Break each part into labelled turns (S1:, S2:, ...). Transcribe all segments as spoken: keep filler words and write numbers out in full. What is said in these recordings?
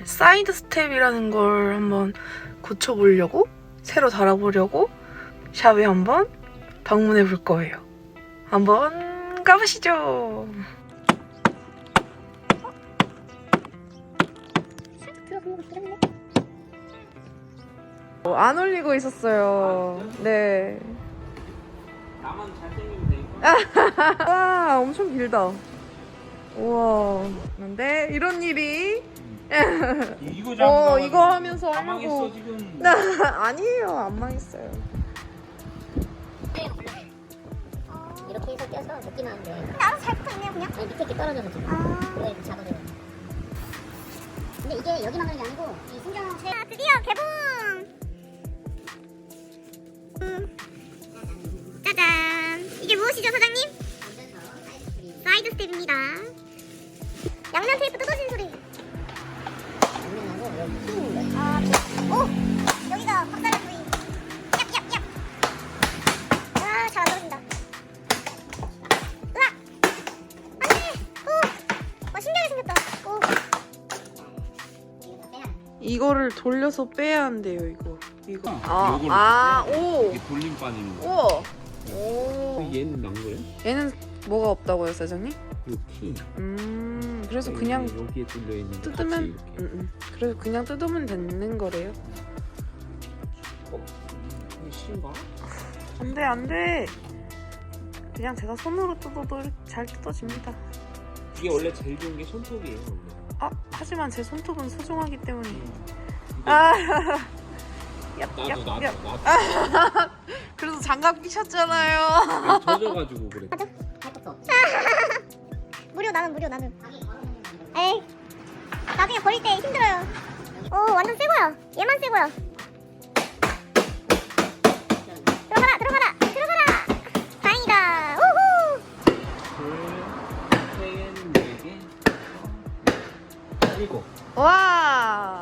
S1: 사이드 스텝이라는 걸 한번 고쳐보려고 새로 달아보려고 샵에 한번 방문해 볼 거예요. 한번 가보시죠. 어, 안 올리고 있었어요. 네.
S2: 나만 잘생기면 되니까.
S1: 와, 엄청 길다. 우와. 근데 이런 일이
S2: 이거
S1: 어, 이거 하면서
S2: 다
S1: 하려고.
S2: 망했어 지금.
S1: 아니에요, 안 망했어요.
S3: 이렇게 해서 껴서 넣기만 하면 돼. 근데 알아서 잘 붙어있네요 그냥? 아니 밑에 게 떨어져서 지금 아... 이거 이렇게 잡아줘요. 근데 이게 여기만 그런 게 아니고 이 신경 체... 아 드디어 개봉! 음. 짜잔! 이게 무엇이죠 사장님? 사이드 스텝입니다. 양면 테이프 뜯어진 소리. 양면하고 여기 튀는 거야. 아, 오! 여기가 박살난 부위. 얍얍얍! 아, 잘 안 떨어진다. 으악! 안 돼! 오! 와, 신기하게 생겼다. 오.
S1: 이거를 돌려서 빼야 한대요, 이거. 이거.
S2: 어,
S1: 아,
S2: 요걸로
S1: 아,
S2: 빼야 돼.
S1: 오!
S2: 이게 돌림 빠지는 거.
S1: 우와. 오.
S2: 얘는 난 거예요?
S1: 얘는 뭐가 없다고요, 사장님?
S2: 이 키.
S1: 음, 그래서 그냥
S2: 여기에 뚫려 있는 거
S1: 뜯으면,
S2: 같이 이렇게.
S1: 음, 음. 그래서 그냥 뜯으면 되는 거래요.
S2: 어? 이게 실인가?
S1: 안 돼, 안 돼. 그냥 제가 손으로 뜯어도 잘 뜯어집니다.
S2: 이게 원래 제일 좋은 게 손톱이에요. 원래.
S1: 아, 하지만 제 손톱은 소중하기 때문에.
S2: 근데
S1: 아, 얍,
S2: 나도
S1: 얍,
S2: 나도
S1: 얍.
S2: 나도
S1: 그래서 장갑 끼셨잖아요.
S2: 젖어가지고 그래.
S3: 할 것도 없지. 무료 나는 무료 나는. 에이. 나중에 버릴 때 힘들어요. 오 완전 새 거야. 얘만 새 거야. 들어가라 들어가라 들어가라. 다행이다. 우후.
S2: 둘, 셋, 네 개, 일곱.
S1: 와,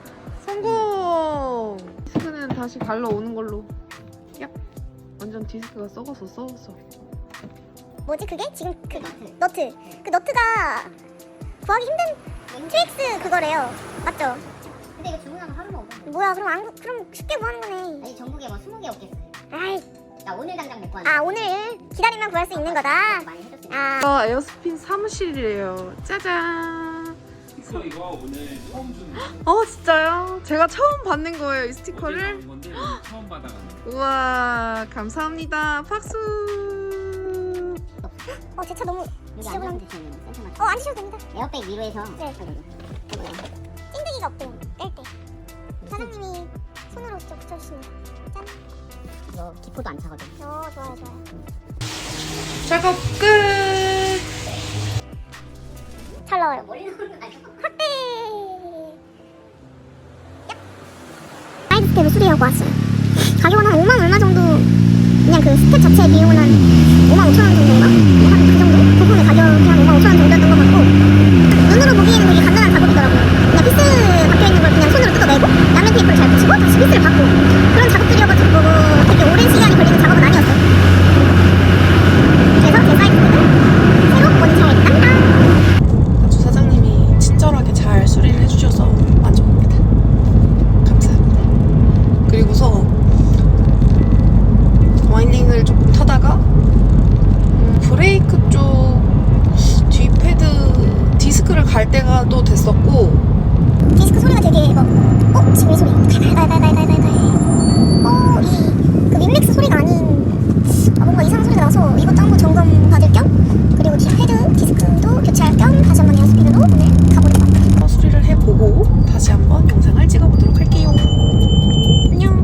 S1: 성공. 디스크는 다시 갈러 오는 걸로. 얍. 완전 디스크가 썩어서 썩었어.
S3: 뭐지 그게? 지금 그 너트. 그 너트가 구하기 힘든 트윅스 그거래요. 맞죠?
S4: 근데 이거 주문하면 하루만 오던데.
S3: 뭐야 그럼 안 구- 그럼 쉽게 구하는 거네.
S4: 아니 전국에 뭐 스무 개 없겠어요.
S3: 아이.
S4: 나 오늘 당장 못 구하는.
S3: 아 오늘 기다리면 구할 수 있는 거다.
S4: 많이 해줬으니까.
S3: 아.
S1: 이거 에어스핀 사무실이래요. 짜잔.
S2: 스티커 이거 오늘 처음 주는 거예요.
S1: 어, 진짜요? 제가 처음 받는 거예요, 이 스티커를.
S2: 어제 나온 건데 오늘 처음 받아가는 거.
S1: 우와, 감사합니다. 박수.
S3: 어 제 차 너무
S4: 여기
S3: 지저분한.
S4: 앉아서 드시면 센터 맞춰.
S3: 어 앉으셔도 됩니다.
S4: 에어백 위로해서.
S3: 네.
S4: 이거요.
S3: 찐득이가 없대요. 뺄 때. 사장님이 손으로 직접 붙여주십니다. 짠.
S4: 이거 기포도 안 차거든.
S3: 어 좋아요 좋아요.
S1: 작업 끝.
S3: 잘 나와요.
S4: 머리 나오는 건 아니고.
S3: 확대. 사이드 스텝을 수리하고 왔어요. 가격은 한 오만 얼마 정도. 그냥 그 스텝 자체 비용은 한 오만 오천 원 정도인가? 한 그 정도? 부품의 가격이 한 오만 오천 원 정도였던 것 같고 눈으로 보기에는 되게 간단한 작업이더라고요. 그냥 피스 박혀있는 걸 그냥 손으로 뜯어내고 양면 테이프를 잘 붙이고 다시 피스를 받고 그런 작업들이어가지고 되게 오랜 시간이 걸리는 작업은 아니었어요. 그래서 제 사이드 스텝은 새로 원잘 딴다.
S1: 아주 사장님이 친절하게 잘 수리를 해주셔서 만족합니다. 감사합니다. 그리고서 와인딩을 조금 타다가 음, 브레이크 쪽 뒤 패드 디스크를 갈 때가 또 됐었고
S3: 디스크 소리가 되게 이거 어? 지금 이 소리 달달달달달달달 어이그 윈맥스 소리가 아닌 아 뭔가 이상한 소리가 나서 이것도 한번 점검 받을 겸 그리고 뒤 패드 디스크도 교체할 겸 다시 한번 에어스피드로 오늘 가보려고 합니다.
S1: 수리를 해보고 다시 한번 영상을 찍어보도록 할게요. 안녕.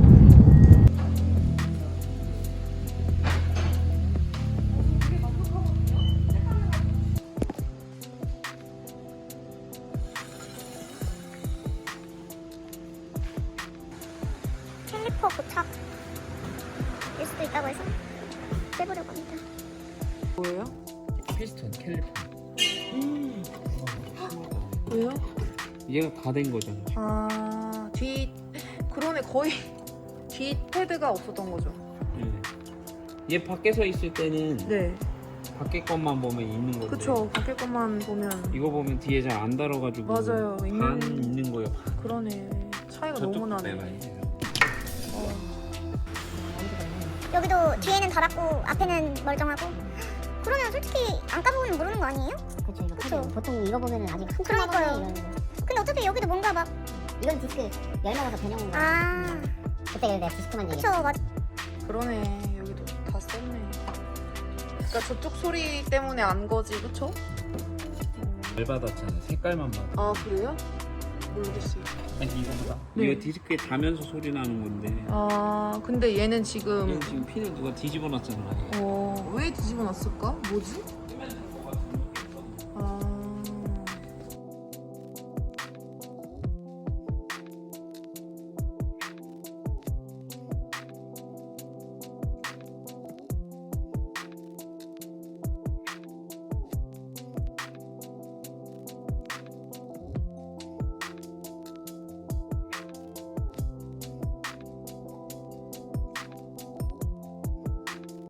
S3: 캘리퍼 고착일 수도 있다고 해서 빼보려고 합니다.
S1: 뭐예요?
S2: 피스톤 캘리퍼.
S1: 음. 왜요?
S2: 얘가 다 된 거잖아.
S1: 아, 뒤 그러네. 거의 뒤 패드가 없었던 거죠.
S2: 네. 얘 밖에 서 있을 때는
S1: 네.
S2: 밖에 것만 보면 있는 건데.
S1: 그쵸. 밖에 것만 보면
S2: 이거 보면 뒤에 잘 안 달아가지고
S1: 맞아요.
S2: 반
S1: 있는-
S2: 있는
S1: 그러네. 차이가 너무 나네. 어.
S3: 여기도 뒤에는 달았고 앞에는 멀쩡하고. 그러면 솔직히 안 까보면 모르는 거 아니에요?
S4: 그쵸 이거
S3: 그쵸.
S4: 카드 보통 이거 보면은 아직 한참
S3: 그러니까요.
S4: 남았네 이러는데.
S3: 근데 어차피 여기도 뭔가 막
S4: 이건 디스크 열 먹어서 변형 온 거야.
S3: 아,
S4: 그때 내가 디스크만
S3: 그쵸,
S4: 얘기했어.
S3: 맞.
S1: 그러네. 여기도 다 썼네. 그러니까 저쪽 소리 때문에 안 거지, 그쵸?
S2: 잘 받았잖아. 색깔만 받아.
S1: 아 그래요? 모르겠어요.
S2: 아니 이거보다.
S1: 네.
S2: 이거 디스크에 닿으면서 소리 나는 건데.
S1: 아 근데 얘는 지금
S2: 얘 지금 피는 누가 뒤집어 놨잖아.
S1: 어 왜 뒤집어 놨을까? 뭐지?